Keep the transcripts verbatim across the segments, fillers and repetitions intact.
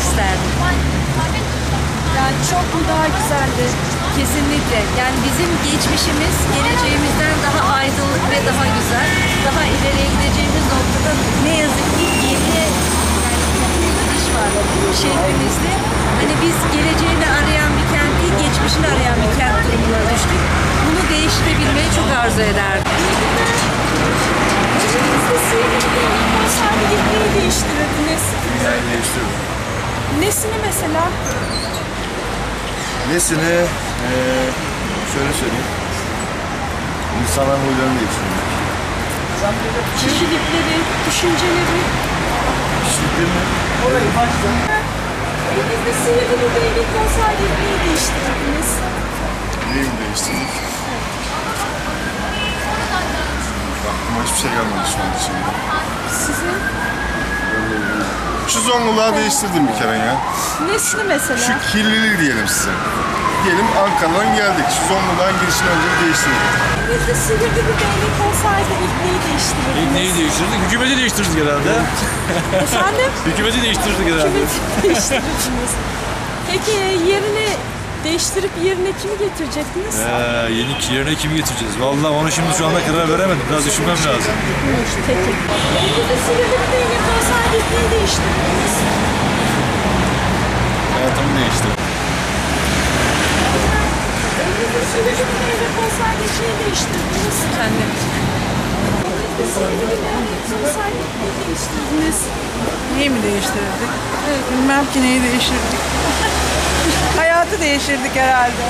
isterdim. Yani çok mu daha güzeldi? Kesinlikle. Yani bizim geçmişimiz geleceğimizden daha aydınlık ve daha güzel, daha ileriye gideceğimiz noktada ne yazık ki geriye yani bir gidiş var şehrimizde. Hani biz geleceğini arayan bir kent değil, geçmişini arayan bir kent durumuna düştük. Bunu değiştirebilmeyi çok arzu ederdim. Elinizde sihirli bir konserde gitmeyi değiştirirdiniz. Yani değiştirdim. Nesini mesela? Nesini ee, şöyle söyleyeyim. İnsanların huylarını değiştirdim. Kişilikleri, düşünceleri. Kişilikleri mi? Elinizde sihirli bir değnek konserde gitmeyi değiştirirdiniz. Neyi mi değiştirdik? Aklıma hiçbir şey gelmedi şu an içimde. Sizin Şu Zonguldak'ı değiştirdim bir kere ya. nesini mesela? Şu kirliliği diyelim size. Diyelim Ankara'dan geldik. Şu Zonguldak'ın girişini önce bir değiştirdik. Elinizde sihirli bir değnek konserde gitmeyi değiştirirdiniz. Neyi değiştirdik? Hükümeti değiştirdik herhalde. Efendim? Hükümeti değiştirdik herhalde. Kimi değiştirirdiniz? Peki yerine değiştirip yerine kimi getirecektiniz? Ee, yeni yerine kimi getireceğiz? Vallahi onu şimdi şu anda karar veremedim. Biraz düşünmem lazım. Peki. Elinizde sihirli bir değnek konserde gitmeyi değiştirirdiniz. Hayatımı değiştirdim. Elinizde sihirli bir değnek konserde gitmeyi değiştirirdiniz. Kendim. Elinizde sihirli bir değnek konserde gitmeyi değiştirirdiniz. Neyi mi değiştirirdik? Bilmem ki neyi değiştirdik. Hayatı değiştirdik herhalde.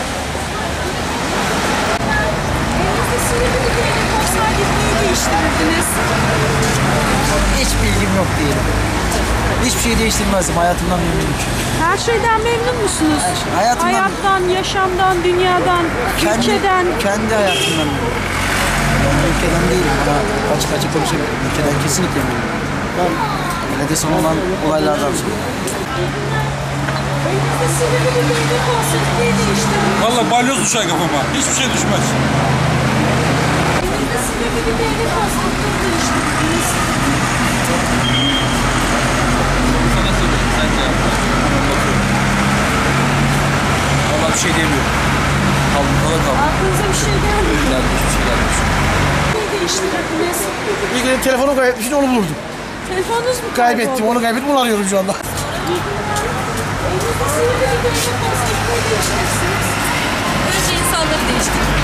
Elinizde sihirli bir değnek konserde gitmeyi değiştirirdiniz. Hiç bilgim yok diyelim. Hiçbir şey değiştirmezdim. Hayatımdan memnunum çünkü. Her şeyden memnun musunuz? Her şey. Hayatımdan- Hayattan, yaşamdan, dünyadan, ülkeden. Kendi hayatımdan memnunum. Ben ülkeden değilim ama açık açık konuşabilirim. Ülkeden kesinlikle memnunum. Yine de son olan olaylardan sonra. Elinizde sihirli bir değnek olsa gitmeyi değiştirirdiniz. Vallahi balyoz düşer kafama. Hiçbir şey düşmez. Elinizde sihirli bir değnek olsa gitmeyi değiştirirdiniz. Sana soruyorum. Sen de Vallahi bir şey demiyorum. Kaldım kala kaldım. Aklınıza bir şey geldi mi? Yani hiçbir şey gelmemiş. Neyi değiştirirdiniz? Bir gün telefonu kaybetmiştim, onu buldum. Telefonunuz mu Kaybettim, kayboldu? onu kaybettim, onu arıyorum şu anda. Elinizde sihirli bir değnek olsa gitmeyi değiştirirsiniz. Önce insanları değiştirdim.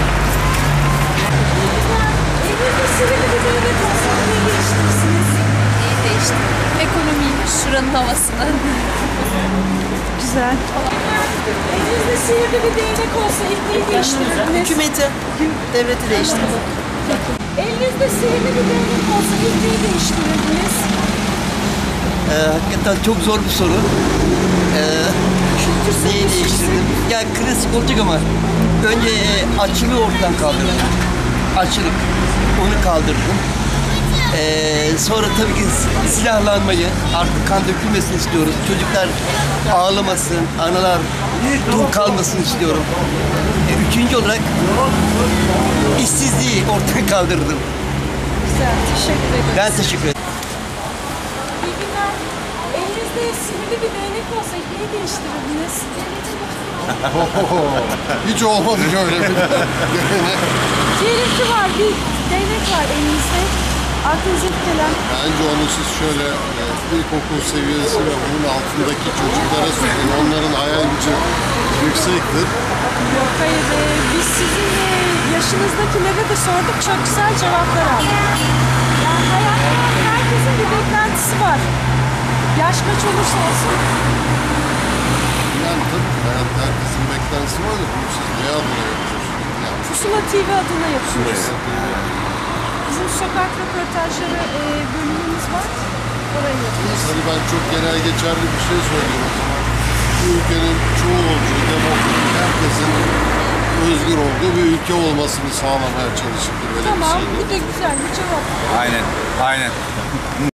Elinizde sihirli bir değnek olsa gitmeyi değiştirirsiniz. Neyi değiştirdim? Ekonomiyi, şuranın havasını. Güzel. Elinizde sihirli bir değnek olsa gitmeyi değiştirirdiniz. Hükümeti, devleti değiştirdim. Elinizde sihirli bir değnek olsa gitmeyi değiştirirdiniz. Ee, hakikaten çok zor bir soru. Ee, neyi değiştirdim? Ya klasik olacak ama önce e, açlığı ortadan kaldırdım. Açlık. Onu kaldırdım. Ee, sonra tabii ki silahlanmayı, artık kan dökülmesini istiyorum. Çocuklar ağlamasın, analar tok kalmasın istiyorum. Ee, üçüncü olarak işsizliği ortadan kaldırdım. Güzel, teşekkür ederim. Ben teşekkür ederim. İyi günler. Elinizde sihirli bir değnek olsa neyi değiştirirdiniz? Hiç olmadı öyle bir. Diyelim ki var, bir değnek var elinizde. Aklınıza ilk gelen. Bence onu siz şöyle e, ilkokul seviyesi ve onun altındaki çocuklara söyleyin. Onların hayal gücü yüksektir. Yok hayır, e, biz sizin e, yaşınızdakilere de sorduk, çok güzel cevaplar aldık. Yani hayatta herkesin bir beklentisi var. Yaş kaç olursa olsun. Yani tabii ki hayatta herkesin beklentisi var da bunu siz ne adına yapıyorsunuz? Yani Pusula T V adına yapıyoruz. Bizim sokak röportajları e, bölümümüz var. Orayı yapıyoruz. Hadi ben çok genel geçerli bir şey söyleyeyim o zaman. Bu ülkenin çoğulcu, demokratik, herkesin özgür olduğu bir ülke olmasını sağlamaya çalışıp böyle Tamam, bir şey. bu da güzel bir cevap. Aynen. Aynen.